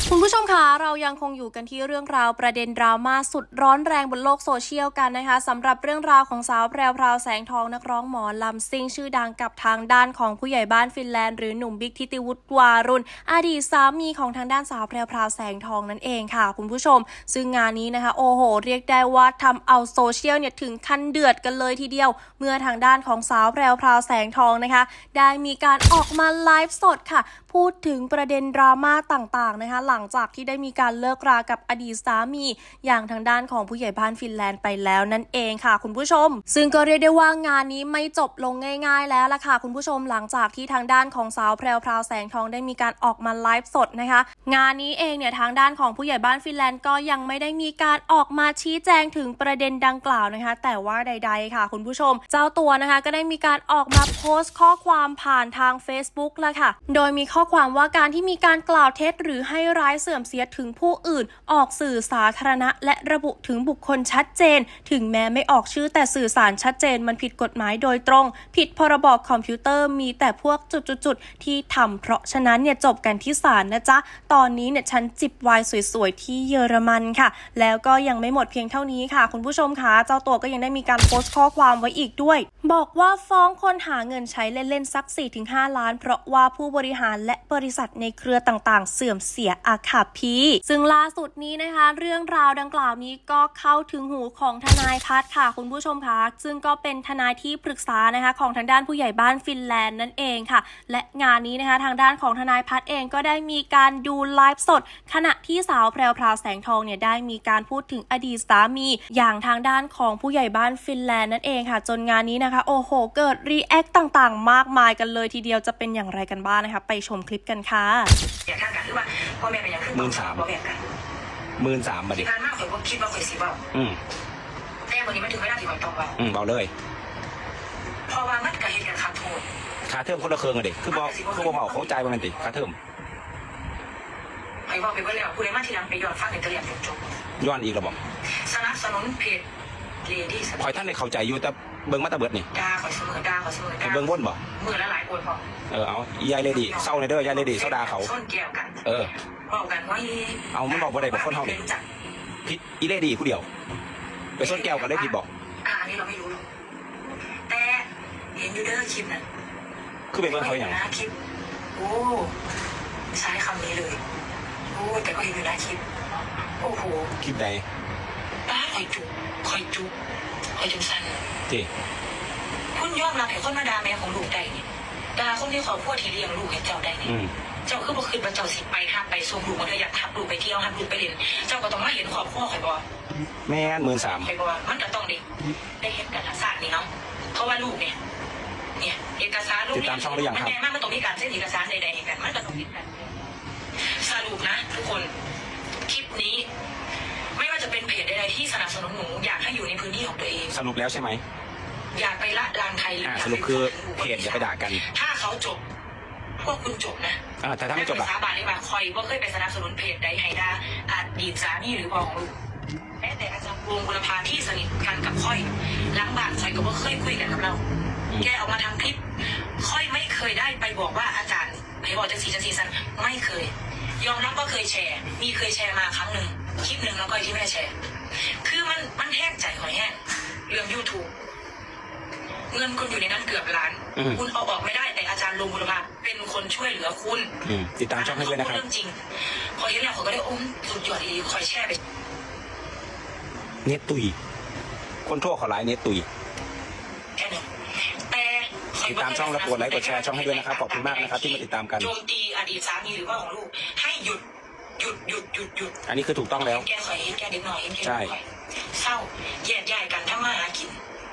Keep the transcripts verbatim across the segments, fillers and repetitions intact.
คุณผู้ชมคะเรายังคงอยู่กันที่เรื่องราวประเด็นดราม่าสุดร้อนแรงบนโลกโซเชียลกันนะคะสำหรับเรื่องราวของสาวแพรวพราวแสงทองนักร้องหมอลำซิ่งชื่อดังกับทางด้านของผู้ใหญ่บ้านฟินแลนด์หรือหนุ่มบิ๊กทิติวุฒิวารุณอดีตสามีของทางด้านสาวแพรวพราวแสงทองนั่นเองค่ะคุณผู้ชมซึ่งงานนี้นะคะโอ้โหเรียกได้ว่าทำเอาโซเชียลเนี่ยถึงขั้นเดือดกันเลยทีเดียวเมื่อทางด้านของสาวแพรวพราวแสงทองนะคะได้มีการออกมาไลฟ์สดค่ะพูดถึงประเด็นดราม่าต่างๆนะคะหลังจากที่ได้มีการเลิกรากับอดีตสามีอย่างทางด้านของผู้ใหญ่บ้านฟินแลนด์ไปแล้วนั่นเองค่ะคุณผู้ชมซึ่งก็เรียกได้ว่างานนี้ไม่จบลงง่ายๆแล้วล่ะค่ะคุณผู้ชมหลังจากที่ทางด้านของสาวแพรวพราวแสงทองได้มีการออกมาไลฟ์สดนะคะงานนี้เองเนี่ยทางด้านของผู้ใหญ่บ้านฟินแลนด์ก็ยังไม่ได้มีการออกมาชี้แจงถึงประเด็นดังกล่าวนะคะแต่ว่าใดๆค่ะคุณผู้ชมเจ้าตัวนะคะก็ได้มีการออกมาโพสต์ข้อความผ่านทาง Facebook แล้วค่ะโดยมีข้อความว่าการที่มีการกล่าวเท็จหรือให้ร้ายเสื่อมเสียถึงผู้อื่นออกสื่อสาธารณะและระบุถึงบุคคลชัดเจนถึงแม้ไม่ออกชื่อแต่สื่อสารชัดเจนมันผิดกฎหมายโดยตรงผิดพรบคอมพิวเตอร์มีแต่พวกจุดๆๆที่ทำเพราะฉะนั้นเนี่ยจบกันที่ศาลนะจ๊ะตอนนี้เนี่ยฉันจิบไวน์สวยๆที่เยอรมันค่ะแล้วก็ยังไม่หมดเพียงเท่านี้ค่ะคุณผู้ชมคะเจ้าตัวก็ยังได้มีการโพสต์ข้อความไว้อีกด้วยบอกว่าฟ้องคนหาเงินใช้เล่นๆสัก สี่ถึงห้า ล้านเพราะว่าผู้บริหารและบริษัทในเครือต่างๆเสื่อมเสียอาคาพีซึ่งล่าสุดนี้นะคะเรื่องราวดังกล่าวนี้ก็เข้าถึงหูของทนายพัฒน์ค่ะคุณผู้ชมคะซึ่งก็เป็นทนายที่ปรึกษานะคะของทางด้านผู้ใหญ่บ้านฟินแลนด์นั่นเองค่ะและงานนี้นะคะทางด้านของทนายพัฒน์เองก็ได้มีการดูไลฟ์สดขณะที่สาวแพรวพราวแสงทองเนี่ยได้มีการพูดถึงอดีตสามีอย่างทางด้านของผู้ใหญ่บ้านฟินแลนด์นั่นเองค่ะจนงานนี้นะคะโอ้โหเกิดรีแอคต่างๆมากมายกันเลยทีเดียวจะเป็นอย่างไรกันบ้างนะคะไปชมคลิปกันค่ะอย่าท่ากันหรือว่าพ่อแม่เป็นอย่างขึ้นหมื่นสามพ่อแม่กันหมื่นสามมาดิการมากข่อยว่าคิดว่าข่อยสิเบาอืมแต่วันนี้มันถึงเวลาที่ข่อยต้องเบาอืมเบาเลยเพราะว่ามันกับเหตุการณ์ขาดโทษค่าเทอมคนละเครื่องอะเด็กคือบอกคือบอกเขาใจว่ามันติค่าเทอมข่อยบอกไปว่าแล้วผู้ใดมาทีหลังไปย้อนฟังในตะเลียงจบย้อนอีกระบอกสนับสนุนเพจเลดี้ข่อยท่านได้เข้าใจอยู่แต่เบิ้งมาตะเบิดนี่ด่าข่อยเสมอด่าข่อยเสมอด่าเบิ้งวนบ่มือละหลายคนพอเออเอายายเลดี้เศร้าในเด้อยายเลดี้เศร้าด่าเขาส้นแก้วกันเออบอกกันว่าเอามันบอกว่าได้บอกคนเฮานี่ผิดอีเลดี้ผู้เดียวไปส้นแก้วกันเลยผิดบอกอ่าอันนี้เราไม่รู้หรอกแต่เห็นยูเดอร์คลิปนั้นคือเป็นเบิ้งเขาอย่างคลิปโอ้ใช้คำนี้เลยโอ้แต่ก็เห็นอยู่นะคลิปโอ้โหคลิปใดป้าคอยจุคอยจุคอยจุสั้นที่คุณยอมรับให้คนมาด่าแม่ของลูกได้เนี่ยด่าคนที่ขอพูดที่เลี้ยงลูกให้เจ้าได้เนี่ยเจ้าคือบ่คืนว่าเจ้าสิไปทับไปส่งลูกมาเธออยากทับลูกไปเที่ยวทับลูกไปเล่นเจ้าก็ต้องมาเห็นขอบพ่อคอยบอกแม่หมื่นสามคอยบอกมันก็ต้องได้ได้เห็นกันทักษะนี่เนาะเพราะว่าลูกเนี่ยเนี่ยเอกสารลูกเนี่ยมันแน่มากมันต้องมีการเซ็นเอกสารใดๆกันมันก็ต้องมีกันสรุปนะทุกคนคลิปนี้ไม่ว่าจะเป็นเพจใดๆที่สนับสนุนหนูอยากให้อยู่ในพื้นที่ของตัวเองสรุปแล้วใช่ไหมอยากไปละลานใครสรุปคือเพจอย่าไปด่ากันถ้าเขาจบพวกคุณจบนะแต่ถ้าไม่จบล่ะสาบานได้ว่าคอยว่าเคยไปสนับสนุนเพจใดให้ด่าอดีตสามีหรือพ่อของลูกแม้แต่อาจารย์วงบุรพาที่สนิทกันกับค่อยล้างบางใส่ก็ว่าเคยคุยกันกับเราแกออกมาทำคลิปค่อยไม่เคยได้ไปบอกว่าอาจารย์ไปบอกจะสีจะสีสันไม่เคยยอมรับว่าเคยแชร์มีเคยแชร์มาครั้งหนึ่งคลิปหนึ่งแล้วก็ที่ไม่ได้แชร์คือมันมันแห้งใจหอยแห้งเรื่อง ยูทูบ เงินคุณอยู่ในนั้นเกือบล้านคุณเอาออกไม่ได้แต่อาจารย์ลงบุรพาเป็นคนช่วยเหลือคุณติดตามช่องให้ด้วยนะครับเรื่องจริงพอเห็นแล้วเขาก็ได้อมสุดยอดดีคอยแชร์ไปเน็ตตุยคนทั่วขอไลน์เน็ตตุยแค่นั้นแต่ติดตามช่องและกดไลค์กดแชร์ช่องให้ด้วยนะครับขอบคุณมากนะครับที่มาติดตามกันโจมตีอดีตสามีหรือว่าของลูกให้หยุดหยุดหยุดหยุดหยุดอันนี้คือถูกต้องแล้วแกคอยเห็นแกเด็กหน่อยเห็นแกใช่เศร้าแยกย้ายกันถ้ามาหากิน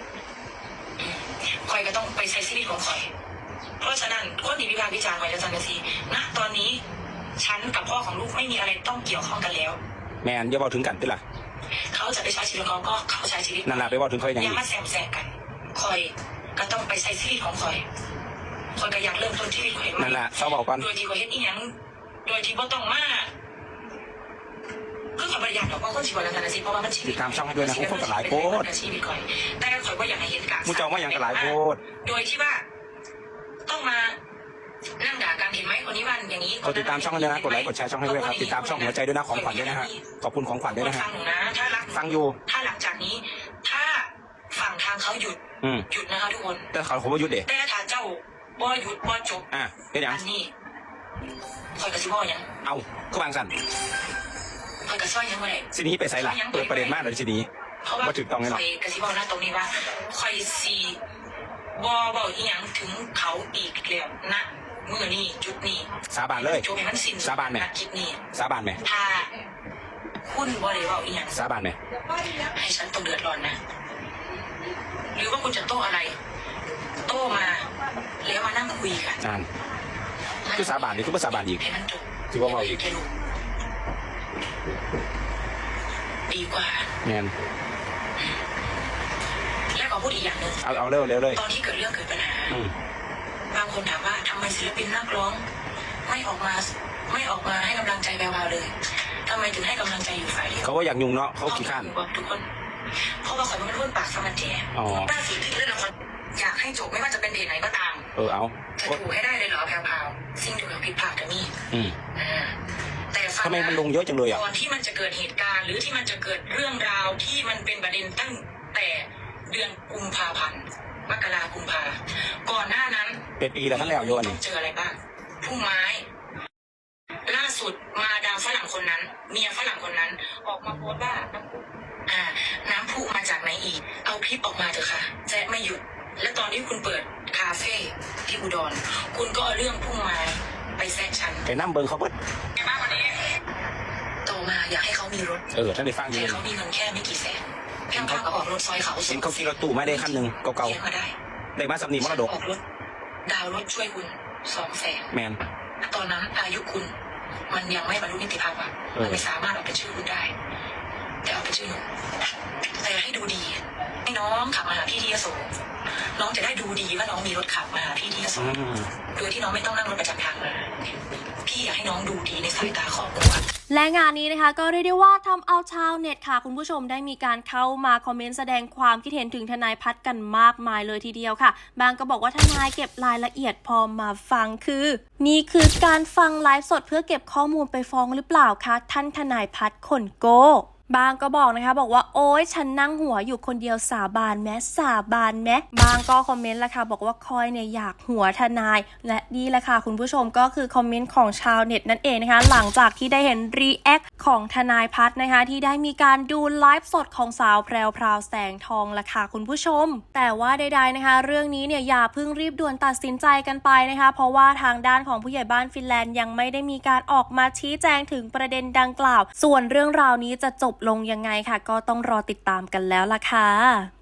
คอยก็ต้องไปใช้ชีวิตของคอยเพราะฉะนั้นคนที่วิพากษ์วิจารณ์คอยจะจังกะซีณตอนนี้ฉันกับพ่อของลูกไม่มีอะไรต้องเกี่ยวข้องกันแล้วแม่นอย่าบอกถึงกันติล่ะเขาจะไปใช้ชีวิตเขาก็เขาใช้ชีวิตนั่นแหละไปบอกถึงเขาอย่างนี้อย่ามาแซมแซงกันคอยก็ต้องไปใช้ชีวิตของคอยคอยก็อยากเริ่มต้นชีวิตคอยนั่นแหละเขาบอกกันโดยที่คอยเห็นอีหยังโดยที่บ่ต้องมาคือขอประหยัดกับว่าคนชีวิตแล้วกันนะสิเพราะว่ามันชีวิตติดตามช่องให้ด้วยนะคุณคนกับหลายโพสชีวิตคอยแต่คอยว่าอยากให้เห็นการมุจเจ้าว่าอย่างกับหลายโพสโดยที่ว่าต้องมานั่งด่ากันเห็นนไหมคนนี้วันอย่างนี้กดติดตามช่องให้ด้วยนะกดไลค์กดแชร์ช่องให้ด้วยครับติดตามช่องหัวใจด้วยนะของขวัญด้วยนะฮะขอบคุณของขวัญด้วยนะฮะฟังหนูนะถ้ารักฟังอยู่ถ้าหลังจากนี้ ถ้าฝั่งทางเขาหยุดอืมหยุดนะคะทุกคนแต่เขาผมว่าหยุดเด็แต่ถ้าเจ้าบ่หยุดบ่จบอ่ะเป็นอย่างอันนี้คอยกระซิบบ่ยังเอาก็วางสั่นคอยกระซ้อยยังไงสินี้ไปใส่ละเปิดประเด็นมากเลยสินี้เพราะว่าว่าถูกต้องแน่นอนคอยกระซิบบ่นะตรงนี้ว่าคอยซีบ่บ่อีหยังถึงเขาอีกแล้วนะมือนี่จุดนี้สาบานเลยจบให้มันสิ้นสาบานไหมนักคิดนี้สาบานไหมถ้าคุณบ่ได้เว่าอีหยังสาบานไหมให้ฉันต้องเดือดร้อนนะ หรือว่าคุณจะโต้อะไร โต้มา แล้วมานั่งคุยกันอ่านคือสาบานนี่คือภาษาบานอีกให้มันจบถือว่าเมาอีกแค่รู้ดีกว่าแมนแล้วก็พูดอีกอย่างหนึ่งเอาเอาเร็วเร็วเลยตอนที่เกิดเรื่องเกิดปัญหาอืมบางคนถามว่าทำไมศิลปินนักร้อง ไม่ออกมา ไม่ออกมาให้กำลังใจแวววาวเลยทำไมถึงให้กำลังใจอยู่ฝ่ายเดียวเขาว่าอยากยุ่งเนาะเขาขี้ข้านบอกทุกคน เพราะว่าข่อยมันเป็นคนปากสมันแจอ๋อล่าสุดที่เล่นละครอยากให้จบไม่ว่าจะเป็นเดทไหนก็ตามเออเอาจะถูกให้ได้เลยเหรอแพรวๆสิ่งถูกกับผิดพลาดกับนี่อืมอ่าแต่ฟังทำไมมันลงเยอะจังเลยอ่ะก่อนที่มันจะเกิดเหตุการณ์ หรือที่มันจะเกิดเรื่องราวที่มันเป็นประเด็นตั้งแต่เดือนกุมภาพันธ์มกรากุมภาก่อนหน้านั้นเป็นปีแล้วท่านแล้วโยนต้นี่องเจออะไรบ้างพุ่มไม้ ล่าสุดมาดามฝรั่งคนนั้น เมียฝรั่งคนนั้น ออกมาโพสต์ว่าน้ำพุอ่า น้ำพุมาจากไหนอีก เอาคลิปออกมาเถอะค่ะแจ๊ะไม่หยุด และตอนที่คุณเปิดคาเฟ่ที่อุดร คุณก็เอาเรื่องพุ่มไม้ไปแซะฉันไปนั่งเบิงเขาเพิ่นไงบ้างวันนี้โตมาอยากให้เขามีรถเออท่านได้ฟังอแต่ยู่เขามีเงินแค่ไม่กี่แสนแค่ข้าวก็ออกรถซอยเขาเห็นเขาขี่รถตู้มาได้คันหนึ่งเก่าเลี้ยงมาได้ๆได้มาสำนีมรดกออกรถ ดาวน์รถช่วยคุณสองแสนแมนตอนนั้นอายุคุณ มันยังไม่บรรลุนิติภาวะเออมันไม่สามารถเอาเป็นชื่อคุณได้ แต่เอาเป็นชื่อหนูแต่ให้ดูดี ให้น้องขับมาหาพี่ที่ยโสน้องจะได้ดูดีว่าน้องมีรถขับมาหาพี่ที่ยโสอืมโดยที่น้องไม่ต้องนั่งรถประจำทางมาพี่อยากให้น้องดูดีในสายตาครอบครัวและงานนี้นะคะก็เรียกได้ว่าทำเอาชาวเน็ตค่ะคุณผู้ชมได้มีการเข้ามาคอมเมนต์แสดงความคิดเห็นถึงทนายพัฒน์กันมากมายเลยทีเดียวค่ะ บางก็บอกว่าทนายเก็บรายละเอียดพอมาฟังคือ นี่คือการฟังไลฟ์สดเพื่อเก็บข้อมูลไปฟ้องหรือเปล่าคะท่านทนายพัฒน์ขนโกบางก็บอกนะคะบอกว่าโอ๊ยฉันนั่งหัวอยู่คนเดียวสาบานแม้สาบานแม้บางก็คอมเมนต์ละค่ะบอกว่าคอยเนี่ยอยากหัวทนายและนี่แหละค่ะคุณผู้ชมก็คือคอมเมนต์ของชาวเน็ตนั่นเองนะคะหลังจากที่ได้เห็นรีแอคของทนายพัฒน์นะคะที่ได้มีการดูไลฟ์สดของสาวแพรวพราวแสงทองละค่ะคุณผู้ชมแต่ว่าใดๆนะคะเรื่องนี้เนี่ยอย่าเพิ่งรีบด่วนตัดสินใจกันไปนะคะเพราะว่าทางด้านของผู้ใหญ่บ้านฟินแลนด์ยังไม่ได้มีการออกมาชี้แจงถึงประเด็นดังกล่าวส่วนเรื่องราวนี้จะจบลงยังไงค่ะก็ต้องรอติดตามกันแล้วล่ะค่ะ